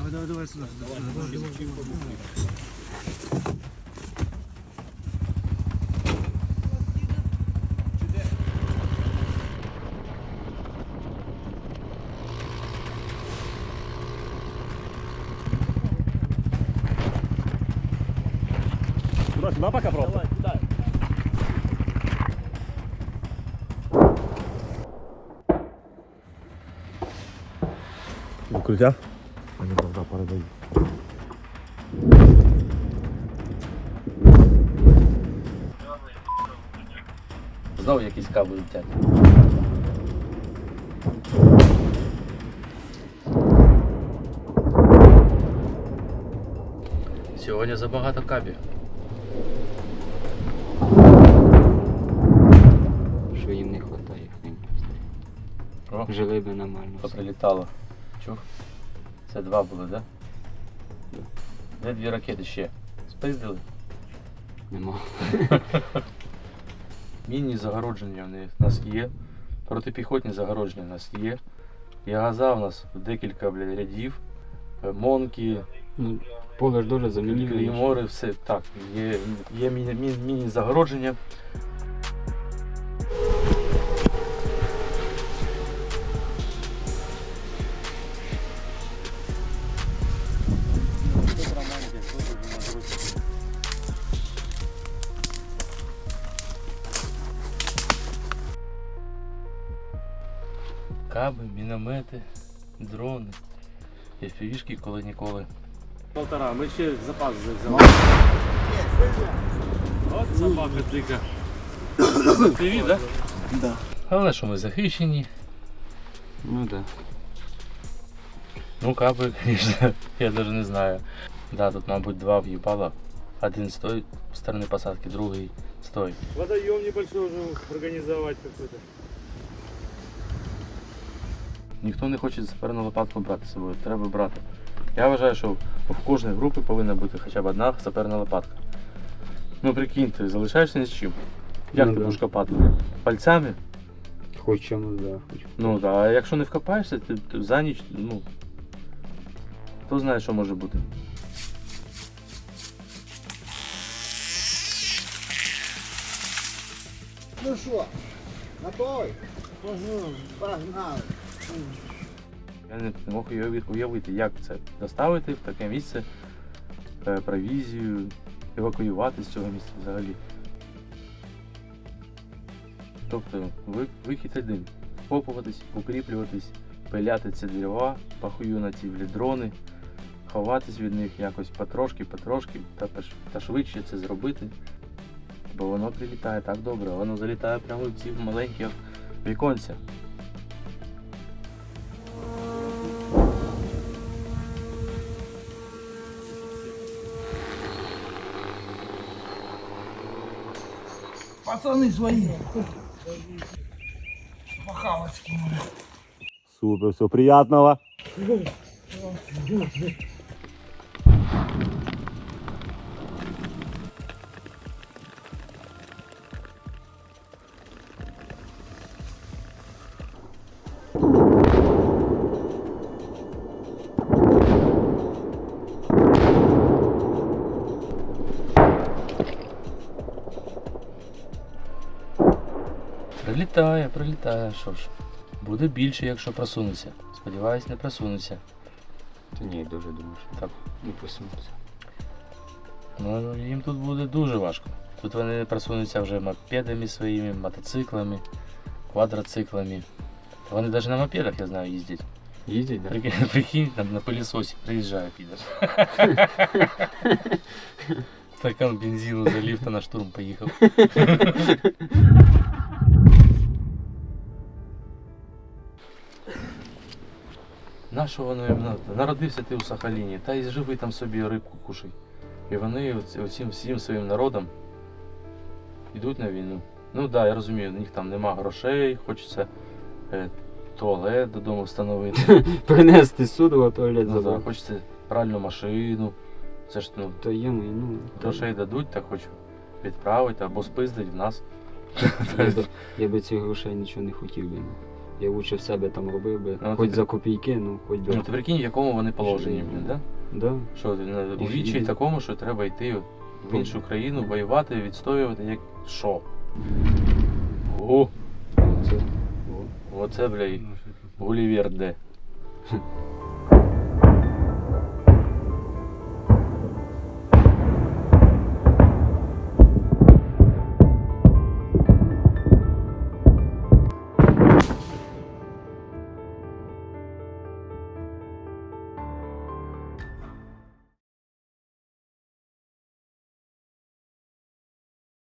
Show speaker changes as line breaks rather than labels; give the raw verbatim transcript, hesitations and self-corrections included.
Давай, давай, давай сюда. Давай, давай, давай, давай.
Сюда, сюда пока просто.
Давай, кидай.
Укриття? А не правда, передаю.
Знову якісь кабелі летять. Сьогодні забагато кабів.
Що їм не вистачає.
О,
Жили би нормально.
поприлітало. Чув? Це два були, так? Да?
Да.
Де дві ракети ще? Спиздили?
Нема.
Мінні загородження в нас є. Протипіхотні загородження в нас є. Ягаза в нас декілька бля, рядів. Монки,
Ну, поле ж дуже замінили.
клеймори, все так. Є, є міні, міні, міні загородження. Каби, міномети, дрони, еф пі вішки коли ніколи.
Полтора, ми ще запас взяли. От собака дика.
Привіт, так? Да? Головне, що ми захищені.
Ну так. Да.
Ну каби, звісно, я навіть не знаю. Да, тут, мабуть, два в'їбала. Один з тої сторони посадки, другий з тої.
Водоем небольшой уже организовать какой-то.
Ніхто не хоче саперну лопатку брати з собою, треба брати. Я вважаю, що в кожній групі повинна бути хоча б одна саперна лопатка. Ну прикинь, ти залишаєшся ні з чим. Як
Ну,
ти
да.
будеш копати? Пальцями?
Хоч чомусь, да, хоч.
Ну так, а якщо не вкопаєшся, ти, ти за ніч, ну, хто знає, що може бути.
Ну що, готовий? Погнали.
Я не мог уяви- уявити, як це доставити в таке місце е, провізію, евакуювати з цього місця взагалі. Тобто ви- вихід один. Вкопуватись, укріплюватись, пиляти ці дерева, пахую на ці дрони, ховатись від них якось потрошки, потрошки та, пеш- та швидше це зробити. Бо воно прилітає так добре, воно залітає прямо в ці маленькі віконця.
Пацаны свои. Пахалочки.
Супер, все, приятного.
Прилітає, прилітає, що ж. Буде більше, якщо просунеться. Сподіваюсь, не просунеться.
Та ні, дуже думаю, що
Так.
не посунуться.
Ну, їм тут буде дуже важко. Тут вони просунуться вже мопедами своїми, мотоциклами, квадроциклами. Вони навіть на мопедах, я знаю, їздять.
Їздять, так?
Прикинь, прикинь, там на пилісосі приїжджає підер. Стакан бензину залив та на штурм поїхав. Нащо воно їм надо? Народився ти у Сахаліні, та й живи там собі рибку кушай. І вони оці- оцим всім своїм народом йдуть на війну. Ну так, да, я розумію, у них там нема грошей, хочеться е, туалет додому встановити.
Принести суду, а туалет
Ну, да,
забрати.
хочеться пральну машину. Це ж ну,
То є ми, ну.
грошей дадуть, так хочу відправити або спиздить в нас.
Я би, я би цих грошей нічого не хотів би. Я лучше в себе там робив би,
Ну,
хоч
ти-
за копійки, ну хоч би.
Ну ти прикинь, в якому вони положенні, блін, да?
Да.
Що ти на- у
І-
вічі
і-
такому, що треба йти от в іншу країну, воювати, відстоювати, як що? О,
Це, о.
оце, бля, і Гулівер де.